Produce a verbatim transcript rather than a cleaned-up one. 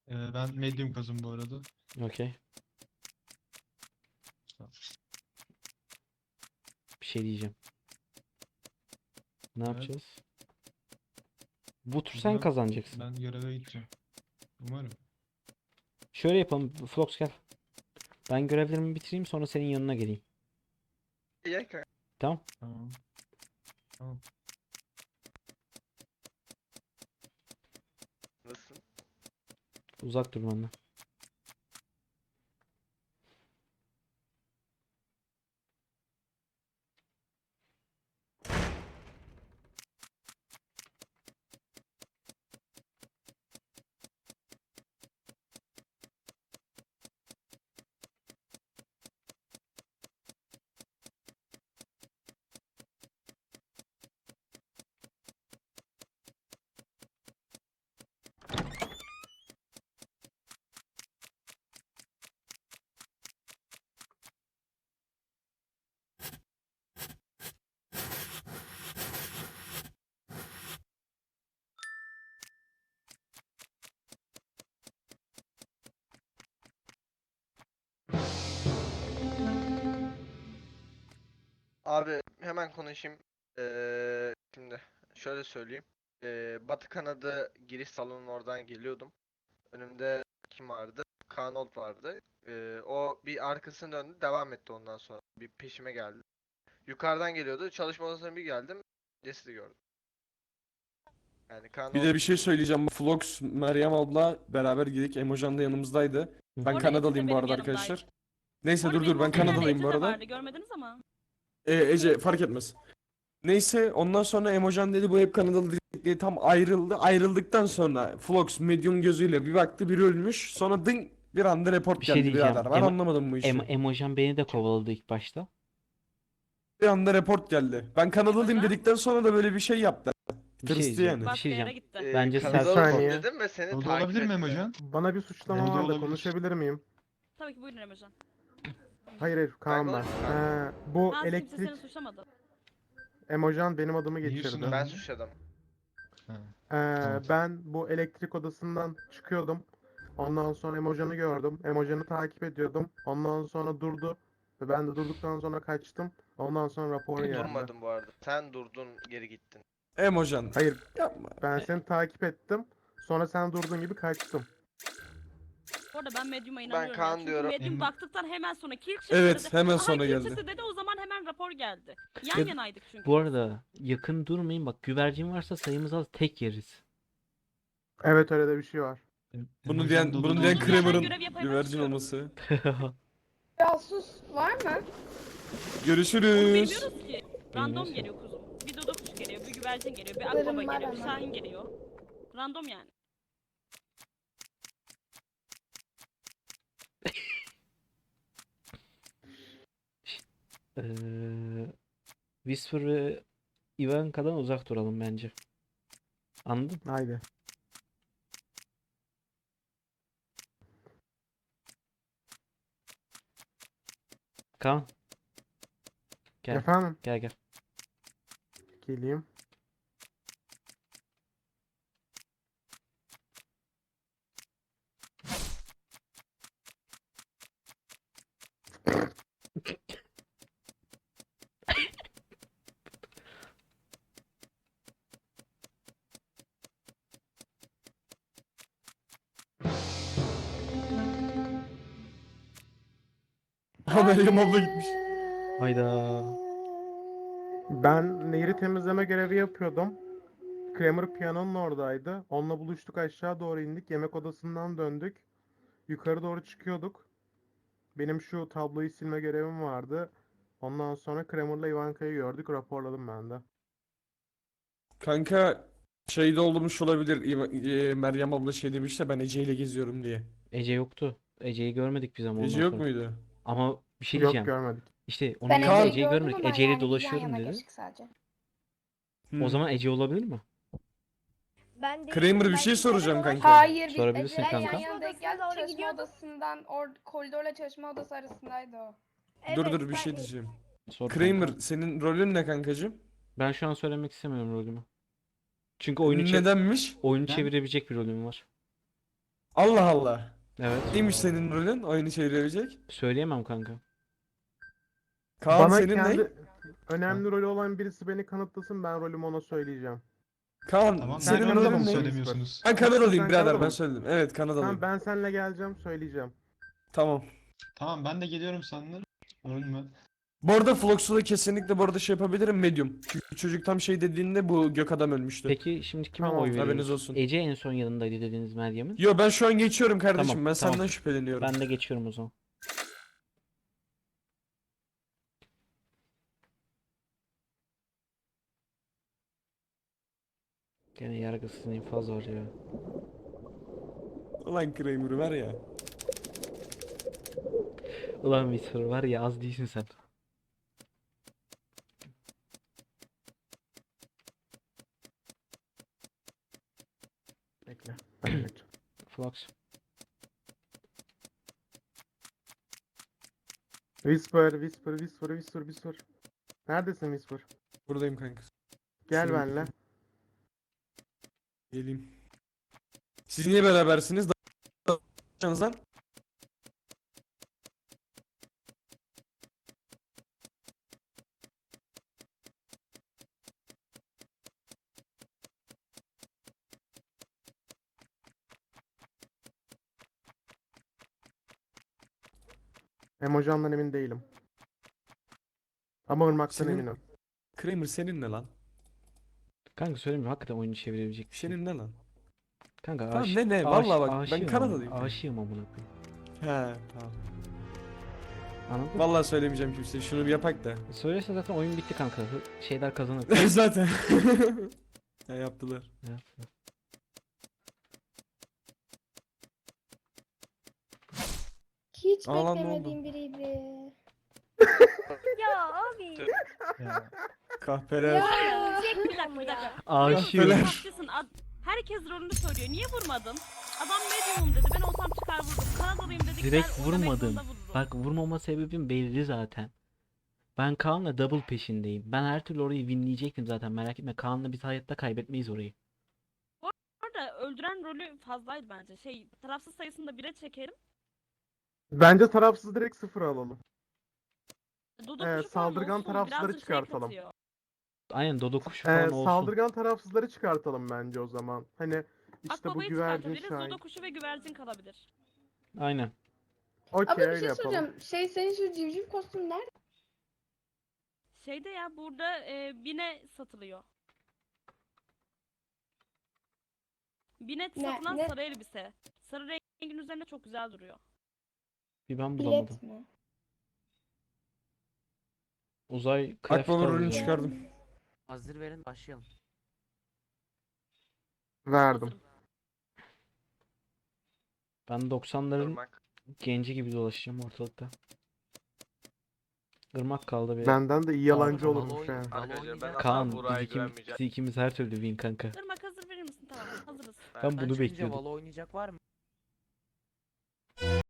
Ee, ben medium kazım bu arada. Okey. Bir şey diyeceğim. Ne Evet. yapacağız? Bu tur sen Bilmem. kazanacaksın. Ben göreve gideceğim. Umarım. Şöyle yapalım. Flox gel. Ben görevlerimi bitireyim sonra senin yanına geleyim. İyi kanka. Tamam. Tamam. Tamam. Nasılsın? Uzak dur benden. Abi hemen konuşayım. Ee, şimdi şöyle söyleyeyim. Ee, Batı kanadı giriş salonunun oradan geliyordum. Önümde kim vardı? Kanold vardı. Ee, o bir arkasını döndü, devam etti ondan sonra. Bir peşime geldi. Yukarıdan geliyordu. Çalışma odasına bir geldim. Cesedi gördüm. Yani Bir Kanold de bir şey söyleyeceğim. Bu Flox, Meryem abla beraber gidik. Emojan da yanımızdaydı. Hı. Ben Orada ikisi de Kanadalıyım bu benim arada yanımdaydı. arkadaşlar. Neyse Orada dur benim dur ben olduğum yerde Kanadalıyım Ece bu de arada. vardı, görmediniz ama. Ee, Ece fark etmez. Neyse ondan sonra Emojan dedi bu hep Kanadalı diye tam ayrıldı. Ayrıldıktan sonra Flox medium gözüyle bir baktı biri ölmüş. Sonra dın bir anda report Bir şey geldi diyeceğim. birader. Ben Emo- anlamadım bu işi. Em Emojan beni de kovaladı ilk başta. Bir anda report geldi. Ben Kanadalıyım Emojan? dedikten sonra da böyle bir şey yaptı. Bir şey Tırstı diyeceğim. yani. Bir Başka şey yere diyeceğim. gitti. Ee, Bence Kanadalısın self saniye. dedim ve seni O da takip olabilir mi etti. Emojan? Bana bir suçlama O da var da olabilir. konuşabilir miyim? Tabii ki buyurun Emojan. Hayır hayır Kaan ben. konuşayım Kaan. Ee, bu Kaan kimse seni elektrik suçlamadı. Emojan benim adımı Niye geçirdi. üstüne- Ben suçladım. Ha. Ee, Tamam. ben bu elektrik odasından çıkıyordum. Ondan sonra Emojan'ı gördüm. Emojan'ı takip ediyordum. Ondan sonra durdu. Ve ben de durduktan sonra kaçtım. Ondan sonra rapor geldi. Durmadım bu arada. Sen durdun, geri gittin. Emojan. Hayır Yapma. ben seni takip ettim. Sonra sen durduğun gibi kaçtım. Bu arada ben Medium'a inanıyorum. Kaan ya. Çünkü diyorum. Medium Em- baktıktan hemen sonra kill sesi Evet dedi. hemen Aha, sonra kill geldi. sesi dedi, o zaman hemen rapor geldi. Yan Ya- yanaydık çünkü. Bu arada yakın durmayın. Bak güvercin varsa sayımız az tek yeriz. Evet öyle de bir şey var. Em- Bunu Emojan diyen, dolu bunu dolu diyen Dur, konuşuyor. ben Kramer'ın görev yapayım, güvercin istiyorum. olması. Casus var mı? Onu Görüşürüz. bilmiyoruz ki. Random Bilmiyoruz. geliyor kuzum. Bir dodo kuş geliyor, bir güvercin geliyor, bir Haberim akbaba var geliyor, bir ama. şahin geliyor. Random yani. Ee, Whisper ve Ivanka'dan uzak duralım bence. Anladın? Haydi. Kaan. Gel. Efendim Gel gel. geleyim. Ha Meryem abla gitmiş. Hayda. Ben nehri temizleme görevi yapıyordum. Kramer piyanonun oradaydı. Onunla buluştuk, aşağı doğru indik. Yemek odasından döndük. Yukarı doğru çıkıyorduk. Benim şu tabloyu silme görevim vardı. Ondan sonra Kramer'la Ivanka'yı gördük. Raporladım ben de. Kanka şeyde olmuş olabilir. İva- e, Meryem abla şey demiş de ben Ece ile geziyorum diye. Ece yoktu. Ece'yi görmedik biz ama Ece ondan yok sonra. muydu? Ama bir şey Yok diyeceğim. görmedik. İşte onun Ben yanında Kaan- Ece'yi Ece'yi gördüm görmedik. ama Ece ile yani biz yan dolaşıyorum yana dedi. geçtik sadece. Hmm. O zaman Ece olabilir mi? Ben değilim, Kramer bir ben şey içeri soracağım doğru- kanka. Hayır biz Sorabilirsin Ece'yle yan kanka. yanadayken Çalışma odasına doğru çalışma gidiyorduk. odasından or koridorla çalışma odası arasındaydı o. Dur Evet, dur bir ben- şey diyeceğim. Sor Kramer kanka. senin rolün ne kankacığım? Ben şu an söylemek istemiyorum rolümü. Çünkü oyunu çev- Nedenmiş? oyunu Ben- çevirebilecek bir rolüm var. Allah Allah. Evet. Neymiş senin rolün oyunu çevirebilecek? Söyleyemem kanka. Kaan Bana senin kendi ne? önemli rolü olan birisi beni kanıtlasın, ben rolümü ona söyleyeceğim. Kaan Tamam. senin Neden Kanadalı rolün rolün mı ne? söylemiyorsunuz? Ben Kanadalıyım Sen birader Kanadalı ben mısın? söyledim. Evet Kanadalıyım. Tamam, ben seninle geleceğim, söyleyeceğim. Tamam. Tamam ben de geliyorum seninle. Rolün mü? Bu arada Flox'u da kesinlikle bu arada şey yapabilirim medium. Çünkü çocuk tam şey dediğinde bu gök adam ölmüştü. Peki şimdi kime Tamam, oy haberiniz veriyoruz? olsun. Ece en son yanındaydı dediniz Meryem'in. Yo ben şu an geçiyorum kardeşim. Tamam, ben tamam. senden şüpheleniyorum. Ben de geçiyorum o zaman. Gene yargısız infaz var ya. Ulan Kramer'ı ver ya. Ulan Whisper var ya, az değilsin sen. Bekle. Ben geçeceğim. Flox. Whisper, Whisper, Whisper, Whisper, Whisper. Neredesin Whisper? Buradayım kanka. Gel Şuraya benimle. Geleyim. Siz niye berabersiniz? Da- lan. Emojandan emin değilim. Ama ırmaktan Senin- eminim. Kramer senin ne lan? Kanka söyleyeyim mi? Hakikaten oyunu çevirebilecek bir şey. Senin ne lan? Kanka Tamam, aş- ne ne? aş- Vallahi bak, ben aşığım Kanadalıyım. amına- Aşığım amına koyayım. He tamam. Anladın mı? Vallahi söylemeyeceğim kimseye. Şunu bir yapak da. Söylese zaten oyun bitti kanka. Hı- Şeyler kazanır. Zaten. Ya yaptılar. Ya. Hiç Aa lan, ne beklemediğim biriydi. Ya abi. Ya. Kahpeler. Ya. Bir dakika bir dakika. Aşığım. Kahpeler. Haklısın. Ad- Herkes rolünü söylüyor. Niye vurmadın? Adam medium'um dedi. Ben olsam çıkar vurdum. Kanadalıyım dedik. Direkt vurmadım. Bak vurmama sebebim belli zaten. Ben Kaan'la double peşindeyim. Ben her türlü orayı winleyecektim zaten, merak etme. Kaan'la biz hayatta kaybetmeyiz orayı. Orada öldüren rolü fazlaydı bence. Şey, tarafsız sayısını da bire çekerim. Bence tarafsız direkt sıfır alalım. Dodo Ee, kuşu falan saldırgan olsun, tarafsızları biraz da şey çıkartalım. katıyor. Aynen Dodo kuşu Ee, falan olsun. saldırgan tarafsızları çıkartalım bence o zaman. Hani işte bu Akbabayı güvercin çıkartabiliriz. şahin. Dodo kuşu ve güvercin kalabilir. Aynen. Okey Abi bir öyle şey yapalım. soracağım. Şey senin şu civciv kostüm nerede? Şeyde ya burada e, bine satılıyor. Bine Ne- satılan ne? sarı elbise. Sarı rengin üzerinde çok güzel duruyor. Bir ben bulamadım. Bilet mi? Uzay craft Akbaba rolünü alacağım. çıkardım. Hazır verin başlayalım. Verdim. Hazırım. Ben doksanların Irmak. genci gibi dolaşacağım ortalıkta. Irmak kaldı bir. Benden de iyi yalancı Tamam, olurmuş oyun- ha. Tamam, Arkadaşlar ben oynayacağız. asla Kaan Burak'a biz, ikim, güvenmeyeceğim. biz ikimiz her türlü win kanka. Irmak hazır verir misin? Tamam hazırız. Ben Ben bunu çıkınca bekliyordum. Valo oynayacak var mı?